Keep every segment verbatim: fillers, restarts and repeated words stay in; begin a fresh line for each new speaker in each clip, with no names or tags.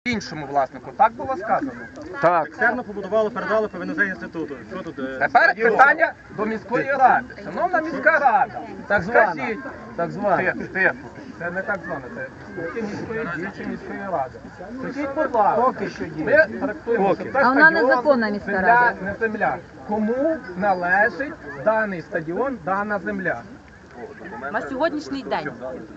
Іншому власнику, так було сказано?
Так.
Екстерно побудували, передали ПВНЗ інституту. Що тут? е,
Тепер питання до міської ради. Шановна міська рада, так скажіть,
Так звана.
тихо, тихо. Це не так зване, це представники міської діючої міської ради. Скажіть, будь ласка,
Поки що є.
ми трактуємо, що це
А вона
стадіон,
незаконна міська
земля,
рада.
не земля. Кому належить даний стадіон, дана земля?
На сьогоднішній день.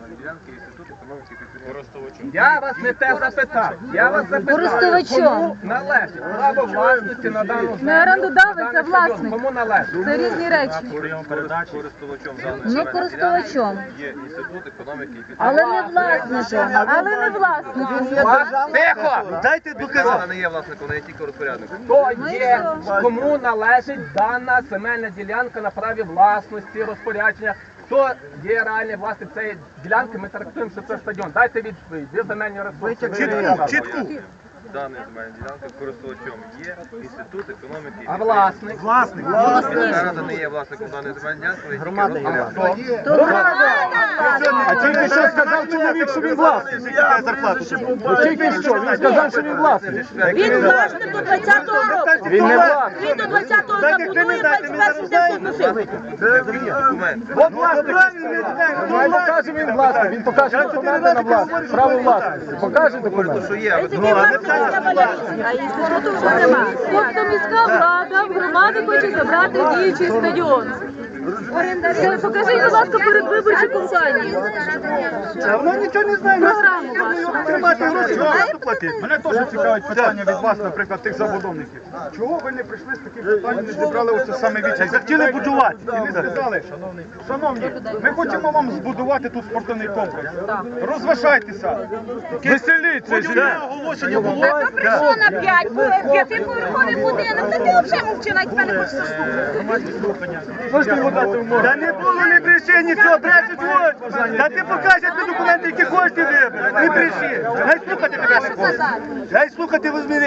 Я вас не те запитав. Я вас запитав,
Користувачом.
кому належить право власності на дану землю?
Не орендодавець,
на
а
даний стадіон?
власник.
Кому належить?
Це різні речі.
Прийом передачі.
Ну, користувачом.
Є інститут економіки і
Але не власником. Але не власником.
Тихо!
Дайте доказати.
Вона не є власником, вона є тільки розпорядником.
Хто є, кому належить дана земельна ділянка на праві власності, розпорядження? Хто є реальний власник цієї ділянки, ми трактуємо, що це стадіон. Дайте відповідь, де земельні ресурси?
Чітку, чітку.
Дана земельна ділянка користувачом є інститут економіки.
А власник?
Власник.
Міська рада не є власником даної земельної ділянки, вона є тільки
Громада є.
розпорядником.
То громада.
А тільки що сказав чоловік, що він власник. Тільки що, він сказав, що він власник.
Він власник до двадцятого року.
Він не власник.
Він до двадцятого забудує, двадцять перший де носив.
Документ.
От власник. Він покаже, він власник. Він покаже документи на власність. Право власності. Покаже документи.
Що є, але
Тільки власник а інституту вже нема.
Тобто міська влада в громади хоче забрати діючий стадіон. Це покажіть, будь ласка, передвиборчу кампанію.
А вона нічого не знає.
Програму вашу.
Тримати гроші, багато платити. Мене теж цікавить питання від вас, наприклад, тих забудовників. Чого ви не прийшли з таким питанням, не зібрали оце саме віче? Захотіли будувати. І не сказали, шановні, ми хочемо вам збудувати тут спортивний комплекс. Розважайтеся. Веселіться. Будівне оголошення було.
Прийшло на п'ять, п'ятиповерховий будинок, та ти взагалі мовчи, навіть мене хочеш слухати.
Можете йому дати умови? Та не було, не бреши, нічого, брешуть ось. Та ти покажеш ті документи, які хочеш ти вибереш. Не бреши. Гай слухати тебе не хочеш. Гай слухати возьми.